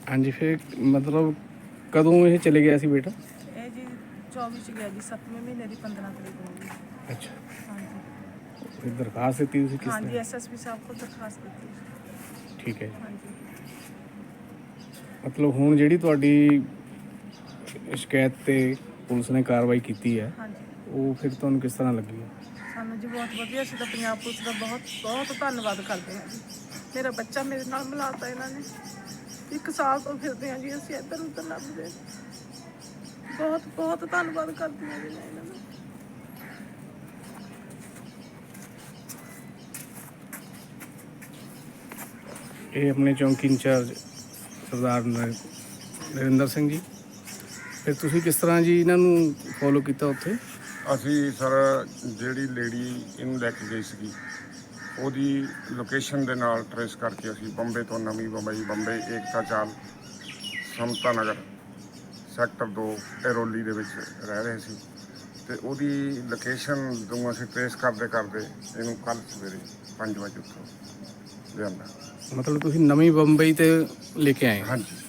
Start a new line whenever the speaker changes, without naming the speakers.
हाँ जी, फिर मतलब कदों ये चले गया सी बेटा?
ਇਹ ਜੀ 24 ਚ ਗਿਆ ਜੀ 7ਵੇਂ ਮਹੀਨੇ ਦੀ 15 ਤਰੀਕ ਨੂੰ ਜੀ।
अच्छा,
ਹਾਂਜੀ
फिर दरखास्त दी थी किस
ਹਾਂਜੀ
तरह?
ਐਸਐਸਪੀ ਸਾਹਿਬ ਕੋਲ ਦਰਖਾਸਤ ਦਿੱਤੀ।
ठीक है जी।
ਹਾਂਜੀ
मतलब हुण जिहड़ी तुहाडी शिकायत ते पुलिस ने कार्रवाई की है,
ਹਾਂਜੀ
वो फिर तुहानूं किस तरह लगी है?
ਸਾਨੂੰ ਜੀ ਬਹੁਤ ਵਧੀਆ, ਅਸੀਂ ਤਾਂ ਪੰਜਾਬ ਪੁਲਿਸ ਦਾ ਬਹੁਤ ਬਹੁਤ ਧੰਨਵਾਦ ਕਰਦੇ ਹਾਂ ਜੀ। ਮੇਰਾ ਬੱਚਾ ਮੇਰੇ ਨਾਲ ਮਿਲਾਤਾ ਇਹਨਾਂ ਨੇ। 1 ਸਾਲ ਤੋਂ ਫਿਰਦੇ ਹਾਂ ਜੀ ਅਸੀਂ ਇੱਧਰ ਉੱਧਰ ਲੱਭਦੇ। ਬਹੁਤ ਬਹੁਤ ਧੰਨਵਾਦ ਕਰਦੀ ਹਾਂ ਜੀ ਮੈਂ ਇਹਨਾਂ ਦਾ।
ਇਹ ਆਪਣੇ ਚੌਂਕੀ ਇੰਚਾਰਜ ਸਰਦਾਰ ਨਰਿੰਦਰ ਸਿੰਘ ਜੀ, ਫਿਰ ਤੁਸੀਂ ਕਿਸ ਤਰ੍ਹਾਂ ਜੀ ਇਹਨਾਂ ਨੂੰ ਫੋਲੋ ਕੀਤਾ ਉੱਥੇ?
ਅਸੀਂ ਸਰ ਜਿਹੜੀ ਲੇਡੀ ਇਹਨੂੰ ਲੈ ਕੇ ਗਈ ਸੀਗੀ ਉਹਦੀ ਲੋਕੇਸ਼ਨ ਦੇ ਨਾਲ ਟਰੇਸ ਕਰਕੇ ਅਸੀਂ ਬੰਬੇ ਤੋਂ ਨਵੀਂ ਬੰਬੇ ਏਕਤਾ ਚਾਲ ਸਮਤਾ ਨਗਰ ਸੈਕਟਰ 2 ਐਰੋਲੀ ਦੇ ਵਿੱਚ ਰਹਿ ਰਹੇ ਸੀ ਅਤੇ ਉਹਦੀ ਲੋਕੇਸ਼ਨ ਨੂੰ ਅਸੀਂ ਟਰੇਸ ਕਰਦੇ ਇਹਨੂੰ ਕੱਲ੍ਹ ਸਵੇਰੇ 5 ਵਜੇ ਉੱਥੋਂ ਲਿਆਂਦਾ।
ਮਤਲਬ ਤੁਸੀਂ ਨਵੀਂ ਬੰਬਈ ਤੇ ਲੈ ਕੇ ਆਏ?
ਹਾਂਜੀ।